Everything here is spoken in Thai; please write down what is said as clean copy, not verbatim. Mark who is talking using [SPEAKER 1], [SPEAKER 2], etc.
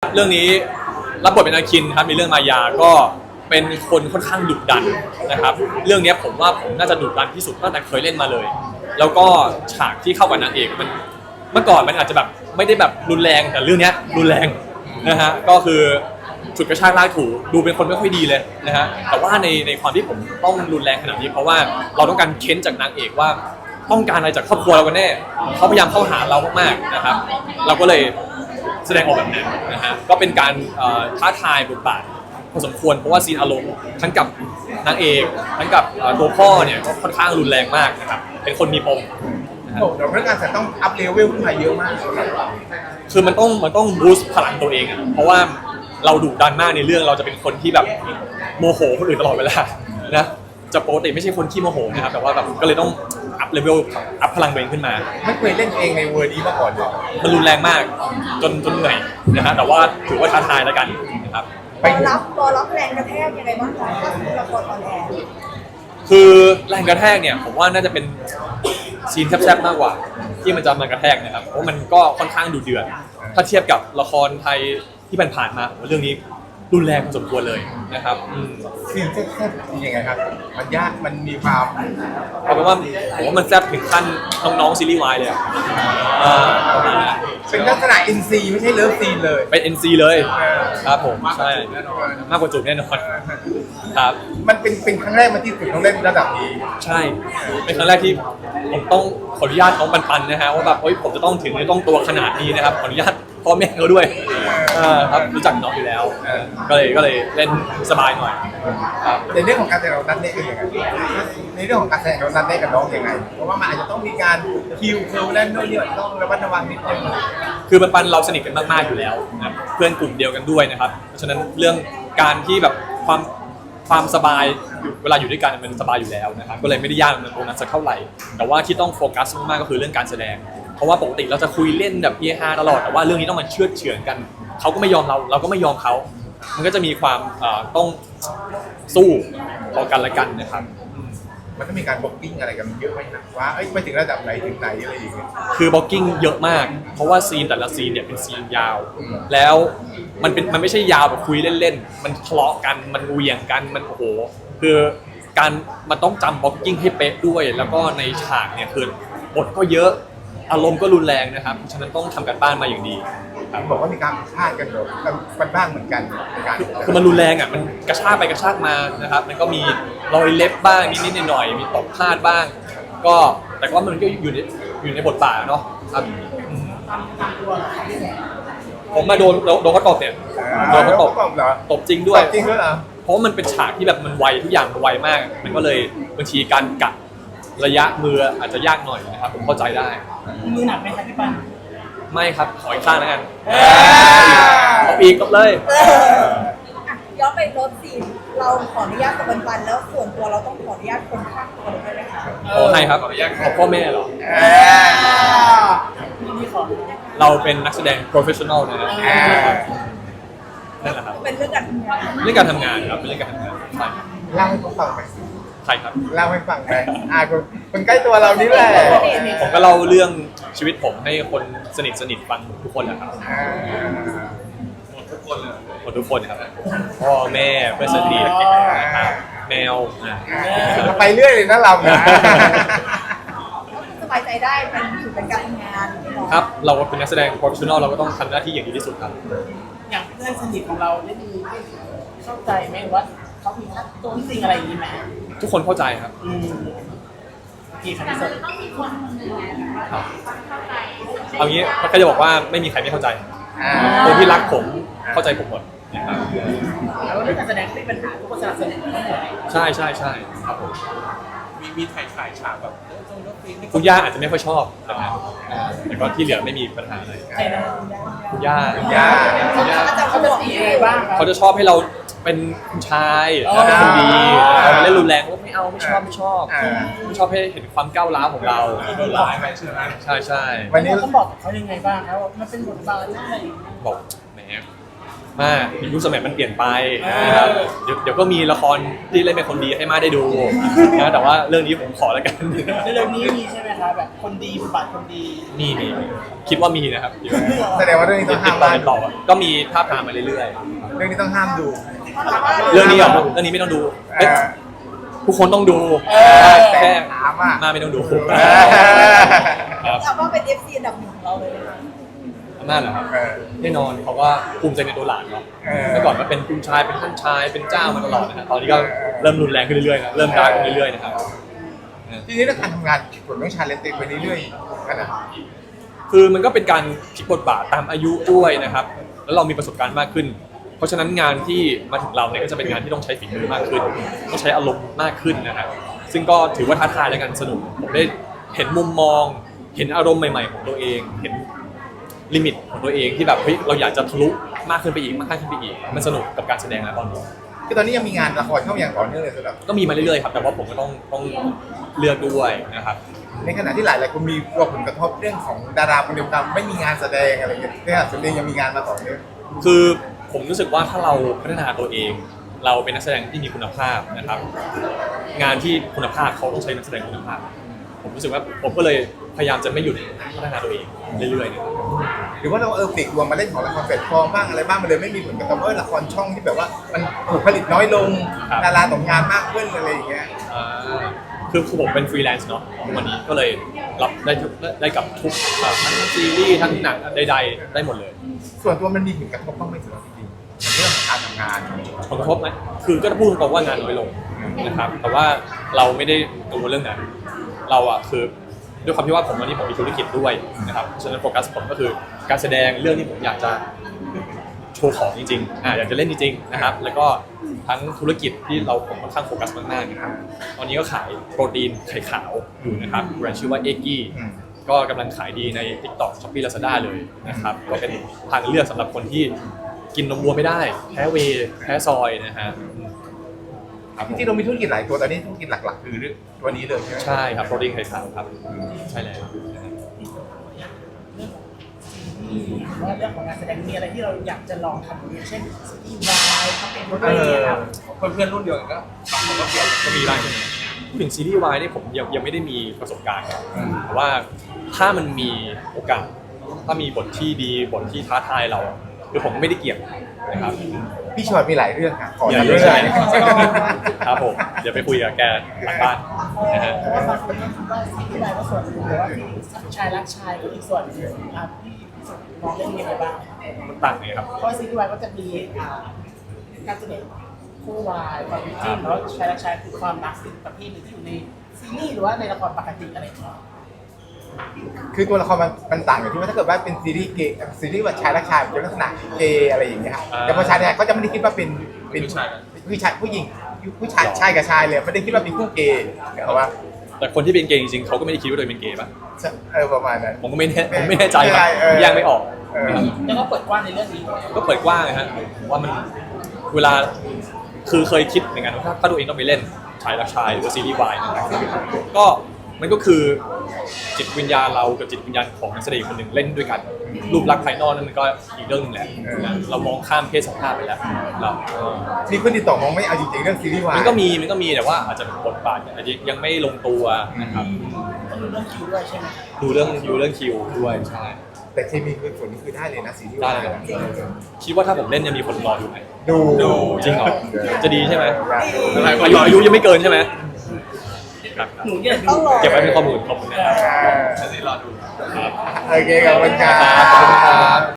[SPEAKER 1] เรื่องนี้รับบทเป็นอาคินครับในเรื่องมายาก็เป็นคนค่อนข้างดุดันนะครับเรื่องนี้ผมว่าผมน่าจะดุดันที่สุดตั้งแต่เคยเล่นมาเลย แล้วก็ฉากที่เข้ากับนางเอกมันเมื่อก่อนมันอาจจะแบบไม่ได้แบบรุนแรงแต่เรื่องนี้รุนแรงนะฮะก็คือฉุดกระชากลากถูดูเป็นคนไม่ค่อยดีเลยนะฮะแต่ว่าในความที่ผมต้องรุนแรงขนาดนี้เพราะว่าเราต้องการเค้นจากนางเอกว่าต้องการอะไรจากครอบครัวเรากันแน่เขาพยายามเข้าหาเรามากๆนะครับเราก็เลยแสดงออกแบบนั้นนะฮะก็เป็นการท้าทายบทบาทพอสมควรเพราะว่าซีนอารมณ์ทั้งกับนางเอกทั้งกับตัวพ่อเนี่ยก็ค่อนข้างรุนแรงมากนะครับเป็นคนมีปม
[SPEAKER 2] โอ้เดี๋ยวเรื่องการจะต้องอัพเลเวลขึ้นมาเยอะมาก
[SPEAKER 1] คือมันต้องบูสต์พลังตัวเองอ่ะเพราะว่าเราดุดันมากในเรื่องเราจะเป็นคนที่แบบโมโหคนอื่นตลอดเวลานะจะปกติไม่ใช่คนขี้โมโหนะครับแต่ว่าแบบก็เลยต้องอัพเลเวลอัพพลังตัวเองขึ้นมา
[SPEAKER 2] ไม่เคยเล่นเองในเวอร์นี้มาก่อนเลย
[SPEAKER 1] มันรุนแรงมากจนเหนื่อยนะฮะแต่ว่าถือว่าท้าทายแล้วกันนะครับ
[SPEAKER 3] ตัวรับแรงกระแทกยังไงบ้างคะถ้าละครออนแอร์
[SPEAKER 1] คือแรงกระแทกเนี่ยผมว่าน่าจะเป็นซีนแซ่บๆมากกว่าที่มันจะมากระแทกนะครับเพราะมันก็ค่อนข้างดุเดือดถ้าเทียบกับละครไทยที่ผ่านมาเรื่องนี้รุนแรงพอสมควรเลยนะครับ
[SPEAKER 2] ซีนแซ่บๆยังไงครับมันยากมันมีความ
[SPEAKER 1] เอาเป็นว่าผมว่ามันแซ่บถึงขั้นน้องๆซีรีส์วายเลย
[SPEAKER 2] เป็นลักษณะ NC ไม่ใช่เลิฟซีนเลย
[SPEAKER 1] เป็น NC เลยครับผมใช่มากกว่าจูบแน่นอนครับ
[SPEAKER 2] มันเป็นครั้งแรกมาที่ถึงต้องเล่นระดับนี้
[SPEAKER 1] ใช่เป็นครั้งแรกที่ผมต้องขออนุญาตน้องปันนะฮะว่าแบบผมจะต้องถึงต้องตัวขนาดนี้นะครับขออนุญาตพ่อแม่เขาด้วยครับรู้จักน้องอยู่แล้วก็เลยเล่นสบายหน่อยครับ
[SPEAKER 2] ในเรื่องของการแสดงเรานัดได้กันยังไงในเรื่องของการแสดงเรานัดได้กับน้องยังไงเพราะว่ามันอาจจะต้องมีการคิวเล่นด้วยเนี่ยต้องระมัดระวังนิดนึง
[SPEAKER 1] คือปันเราสนิทกันมากๆอยู่แล้วนะเพื่อนกลุ่มเดียวกันด้วยนะครับเพราะฉะนั้นเรื่องการที่แบบความสบายเวลาอยู่ด้วยกันมันสบายอยู่แล้วนะครับก็เลยไม่ได้ยากตรงนั้นสักเท่าไหร่แต่ว่าที่ต้องโฟกัสมากๆก็คือเรื่องการแสดงเพราะว่าปกติเราจะคุยเล่นแบบเฮฮาตลอดแต่ว่าเรื่องนี้ต้องมาเชือดเฉือนกันเขาก็ไม่ยอมเราก็ไม่ยอมเขามันก็จะมีความต้องสู้พอกันและกันนะครับ
[SPEAKER 2] มันต้องมีการบล็อกกิ้งอะไรกันเยอะไหมนะว่าไปถึงระดับไหนถึงไหนอะไรอย่างเงี้ย
[SPEAKER 1] คือบล็อกกิ้งเยอะมากเพราะว่าซีนแต่ละซีนเนี่ยเป็นซีนยาวแล้วมันไม่ใช่ยาวแบบคุยเล่นๆมันทะเลาะกันมันเหวี่ยงกันมันโอ้โหคือมันต้องจำบล็อกกิ้งให้เป๊ะด้วยแล้วก็ในฉากเนี่ยคือบทก็เยอะอารมณ์ก็รุนแรงนะครับฉะนั้นต้องทำการบ้านมาอย่างดี
[SPEAKER 2] บอกว่ามีการพลาดกันหรอกันบ้างเหมือนกันในการ
[SPEAKER 1] คือมันรุนแรงอ่ะมันกระชากไปกระชากมานะครับมันก็มีรอยเล็บบ้างนิดๆหน่อยๆมีตกพลาดบ้างก็แต่ว่ามันก็อยู่ในบทบาทเนาะครับผมมาโดนเขาตบเนี่ยโดนเขาตบจริงด้วยเพราะมันเป็นฉากที่แบบมันไวทุกอย่างมันไวมากมันก็เลยบางทีการกะระยะมืออาจจะยากหน่อยนะครับผมเข้าใจได้
[SPEAKER 3] มือหนักไหมครับพี่ปัน
[SPEAKER 1] ไม่ครับขออีกข้างแล้วกันเอาอีกก็เลย
[SPEAKER 3] ย้อนไปรถซีนเราขออนุญาตกับปันแล้วส่วนตัวเราต้องขออนุญาตคนข้างตัวได้ไหมคะ
[SPEAKER 1] ขอให้ครับขอพ่อแม่เหรอเราเป็นนักแสดง professional นะครับนั่นแหละครับ
[SPEAKER 3] เป็นเรื่องการทำงาน
[SPEAKER 1] เรื่องการทำงานครับเป็นเรื่องการทำงานใช่
[SPEAKER 2] เล่าให้เขาฟังไหม
[SPEAKER 1] ใช่ครับ
[SPEAKER 2] เล่าให้ฟังไหมคนใกล้ตัวเรานี่แหละ
[SPEAKER 1] ผมก็เล่าเรื่องชีวิตผมให้คนสนิทฟังทุกคนแหละครับหมดทุกคนครับพ่อแม่เพื่อนสนิทนะครับแมว
[SPEAKER 2] ไปเรื่อยเลยนะเรานะ
[SPEAKER 3] สบายใจได้เป็นการทำงาน
[SPEAKER 1] ครับเราเป็นนักแสดง professional เราก็ต้องทำหน้าที่อย่างดีที่สุดครับ
[SPEAKER 4] อย่างเพื่อนสนิทของเราได้มีเข้าใจไหมว่าเขามีทักตัวจริงอะไรอย่างนี้ไหม
[SPEAKER 1] ทุกคนเข้าใจครับ
[SPEAKER 4] กี่ครั้งสุดต้องมีคน
[SPEAKER 1] เข้าใจเอางี้ก็จะบอกว่าไม่มีใครไม่เข้าใจคนที่รักผมเข้าใจผมหมดนะครับ
[SPEAKER 4] แล้วเรื่องการแสดงไม่เป็นปัญหาทุกคนสนับสนุนทั้งหมด
[SPEAKER 1] ใช่ครับผม
[SPEAKER 2] มีถ่ายฉากแบบ
[SPEAKER 1] คุณย่าอาจจะไม่ค่อยชอบนะครับแต่ก็ที่เหลือไม่มีปัญหาอะไรคุณย่า
[SPEAKER 4] เขาจะตีอะไรบ้าง
[SPEAKER 1] เขาจะชอบให้เราเป็นผู้ชายเป็นคนดีเล่นรุนแรงก็ไม่เอาไม่ชอบให้เห็นความก้าวร้าวของเรา
[SPEAKER 2] โดนร้ายไปใช่ไหม
[SPEAKER 1] ใช่
[SPEAKER 4] วันนี้ต้องบอกเขายังไงบ้างครับว่ามันเป็นบทบาทอะไร
[SPEAKER 1] บอกแหมมายุคสมัยมันเปลี่ยนไปนะครับเดี๋ยวก็มีละครที่เล่นเป็นคนดีให้มาได้ดูนะแต่ว่าเรื่องนี้ผมขอแล้วกัน
[SPEAKER 4] เรื่องนี้มีใช่ไหมคะแบบคนดีบทบาทคนดี
[SPEAKER 1] มีคิดว่ามีนะครับ
[SPEAKER 2] แสดงว่าเรื่องนี้ต้องห้าม
[SPEAKER 1] ติดต่อก็มีภาพทามมาเรื่อยๆ
[SPEAKER 2] เรื่องนี้ต้องห้ามดู
[SPEAKER 1] เรื่องนี้เหรอเรื่องนี้ไม่ต้องดูเอ๊ะทุกคนต้องดู
[SPEAKER 2] แต่
[SPEAKER 1] แค่
[SPEAKER 2] ถามอ่ะ
[SPEAKER 1] มาไม่ต้องดูครับ
[SPEAKER 3] เอาว่าเป็น FC อันดับหนึ่งของเราเลยนะคะ
[SPEAKER 1] อำนาจเหรอครับ
[SPEAKER 2] เออ
[SPEAKER 1] แน่นอนเขาก็ภูมิใจในตัวหลานเนาะ เมื่อก่อนก็เป็นคุณชายเป็นท่านชายเป็นเจ้ามาตลอดนะครับตอนนี้ก็เริ่มรุนแรงขึ้นเรื่อยๆนะเริ่มดาร์กขึ้นเรื่อยๆนะครับ
[SPEAKER 2] ทีนี้เรื่องการทำงานผมต้องชาเลนจ์ตัวเองไปเรื่อยๆกันนะ
[SPEAKER 1] คือมันก็เป็นการพลิกบทบาทตามอายุด้วยนะครับ แล้วเรามีประสบการณ์มากขึ้น เพราะฉะนั้นงานที่มาถึงเราเนี่ยก็จะเป็นงานที่ต้องใช้ฝีมือมากขึ้นต้องใช้อารมณ์มากขึ้นนะครับซึ่งก็ถือว่าท้าทายและกันสนุกผมได้เห็นมุมมอง เห็นอารมณ์ใหม่ๆของตัวเองเห็นลิมิตของตัวเองที่แบบเฮ้ยเราอยากจะทะลุมากขึ้นไปอีกมากขึ้นไปอีกมันสนุกกับการแสดงนะตอนนี้
[SPEAKER 2] คือตอนนี้ยังมีงานละครเข้าอย่างต่อเนื่องเลยสำหรับ
[SPEAKER 1] ก็มีมาเรื่อยๆครับแต่ว่าผมก็ต้องเลือกด้วยนะครับ
[SPEAKER 2] ในขณะที่หลายคนมีกลัวผลกระทบเรื่องของดาราคนเดียวกันไม่มีงานแสดงอะไรอย่างเงี้ยเนี่ยส่วนเองยังมีงานมาต่อเนื่อง
[SPEAKER 1] คือผมรู้สึกว่าถ้าเราพัฒนาตัวเอง เราเป็นนักแสดงที่มีคุณภาพนะครับ งานที่คุณภาพเขาต้องใช้นักแสดงคุณภาพ ผมรู้สึกว่าผมก็เลยพยายามจะไม่หยุดพัฒนาตัวเองเรื่อยๆนะครับ
[SPEAKER 2] หรือว่าเราปลีกตัวมาเล่นของละครแพลตฟอร์มบ้างอะไรบ้างมันเลยไม่มีผลกระทบละครช่องที่แบบว่ามันถูกผลิตน้อยลงดาราตกงานมากขึ้นอะไรอย่างเงี้ย
[SPEAKER 1] คือผมเป็นฟรีแลนซ์เนาะวันนี้ก็เลยรับได้กับทุกทั้งซีรีส์ทั้งหนังใดๆได้หมดเลย
[SPEAKER 2] ส่วนตัวมันมีผลกระทบบ้างไหมสำหรับจริงๆในเรื่องของการทำงาน
[SPEAKER 1] ผลกระทบไหมคือก็พูดตรงๆว่างานน้อยลงนะครับ แต่ว่าเราไม่ได้กังวลเรื่องนั้น เราอะคือด้วยความที่ว่าผมวันนี้ผมมีธุรกิจด้วยนะครับฉะนั้นโฟกัสผมก็คือการแสดงเรื่องที่ผมอยากจะโชว์ของจริงๆอยากจะเล่นจริงๆนะครับ แล้วก็ทั้งธุรกิจที่ผมค่อนข้างโฟกัสมากๆนะครับตอนนี้ก็ขายโปรตีนไข่ขาวอยู่นะครับแบรนด์ชื่อว่าเอ็กกี้ก็กำลังขายดีใน TikTok Shopee Lazada เลยนะครับก็เป็นทางเลือกสำหรับคนที่กินนมวัวไม่ได้แพ้เวย์แพ้ซอยนะฮะครับผม
[SPEAKER 2] ที่เรามีธุรกิจหลายตัวตอนนี้ธุรกิจหลักๆคือตัวนี้เลยใช่ไหม
[SPEAKER 1] ใช่ครับโปรตีนไข่ขาวครับใช่แล้วนะฮะ
[SPEAKER 4] ว่าเรื่องของการแสดงมีอะไรที่เราอยากจะลองทำอย่างเช่นซีรีส์วายทำเป็นบทเพลงครับ
[SPEAKER 2] เพื่อนรุ่นเดียวกันก็ผมก็เปลี่ยน
[SPEAKER 1] ก็มีบ้างใช่ไหมพูดถึงซีรีส์วายเนี่ยผมยังไม่ได้มีประสบการณ์ครับแต่ว่าถ้ามันมีโอกาสถ้ามีบทที่ดีบทที่ท้าทายเราคือผมไม่ได้เกี่ยงนะครับ
[SPEAKER 2] พี่ชอตมีหลายเรื่องค่ะขอ
[SPEAKER 1] อย่า
[SPEAKER 2] ทำ
[SPEAKER 1] เย
[SPEAKER 2] เรื่
[SPEAKER 1] อะ
[SPEAKER 2] อง
[SPEAKER 1] ใช่
[SPEAKER 2] อะไร
[SPEAKER 1] ไหมครับผมเดี๋ยวไปคุยกับแกหลังบ้านนะฮะ
[SPEAKER 4] เพราะว่าบางคนก็คิดว่าซีรีส์วายก็ส่วนหนึ่งหรือว่าชายรักชายก็อีกส่วนหนึ่งครับพี่มองเรื่องนี้ยังไงบ้าง
[SPEAKER 1] มันต่างไงครับ
[SPEAKER 4] เพราะซีรีส์วายก็จะมีการแสดงคู่วายความจริงแล้วชายรักชายคือความรักสิ่งประเภทหนึ่งที่อยู่ในซีรีส์หรือว่าในละครปกติอะไรอย่างเงี้ย
[SPEAKER 2] คือตัวละครมันต่างอยู่ที่ว่าถ้าเกิดว่าเป็นซีรีส์เกย์ซีรีส์ว่าชายรักชายมันจะลักษณะเกย์อะไรอย่างเงี้ยครับแต่พอชายเนี่ยเขาจะไม่ได้คิดว่าเป็นผู้ชายผู้หญิงผู้ชายชายกับชายเลยไม่ได้คิดว่าเป็นคู่เกย์แต่ว่า
[SPEAKER 1] แต่คนที่เป็นเกย์จริงๆเขาก็ไม่ได้คิดว่าตัวเองเป็นเกย์ป่ะ
[SPEAKER 2] ประมาณนั้น
[SPEAKER 1] ผมก็ไม่แน่ใจครับแยกไม่ออก
[SPEAKER 4] แล้วก็เปิดกว้างในเรื่องนี้
[SPEAKER 1] ก็เปิดกว้างนะฮะผมว่ามันเวลาคือเคยคิดเหมือนกันว่าถ้าตัวเองต้องไปเล่นชายรักชายหรือว่าซีรีส์วายนะครับก็มันก็คือจิตวิญญาณเรากับจิตวิญญาณของนักแสดงคนหนึ่งเล่นด้วยกันรูปลักษณ์ภายนอกนั่นมันก็อีกเรื่องหนึงแหละนะเรามองข้ามเพศสภาพไปแล้วเรา
[SPEAKER 2] มีคนติดต่อมองไม่เอาจริงๆเรื่องซีรีส์วาย
[SPEAKER 1] มันก็มีแต่ว่าอาจจะบทบาทอาจจะยังไม่ลงตัวนะครับ
[SPEAKER 4] ต้องดูเรื่องคิวด้วยใช่ไหม
[SPEAKER 1] ดูเรื่องคิวด้วยใช่
[SPEAKER 2] แต่เคมีคือผลนี่คือได้เลยนะซีรีส์
[SPEAKER 1] ได้
[SPEAKER 2] วาย
[SPEAKER 1] เลยคิดว่าถ้าผมเล่นยังมีคนรอดูไหม
[SPEAKER 2] ดู
[SPEAKER 1] จริงเหรอจะดีใช่ไหม
[SPEAKER 2] ได้
[SPEAKER 1] อายุยังไม่เกินใช่ไหมครับ
[SPEAKER 4] หนูเนี่ย
[SPEAKER 3] ต้องรอ
[SPEAKER 1] เก็บไว้เป็นข้อมูลขอบคุณนะครับ
[SPEAKER 2] โอเคขอบคุณครับ
[SPEAKER 1] ขอบคุณครับ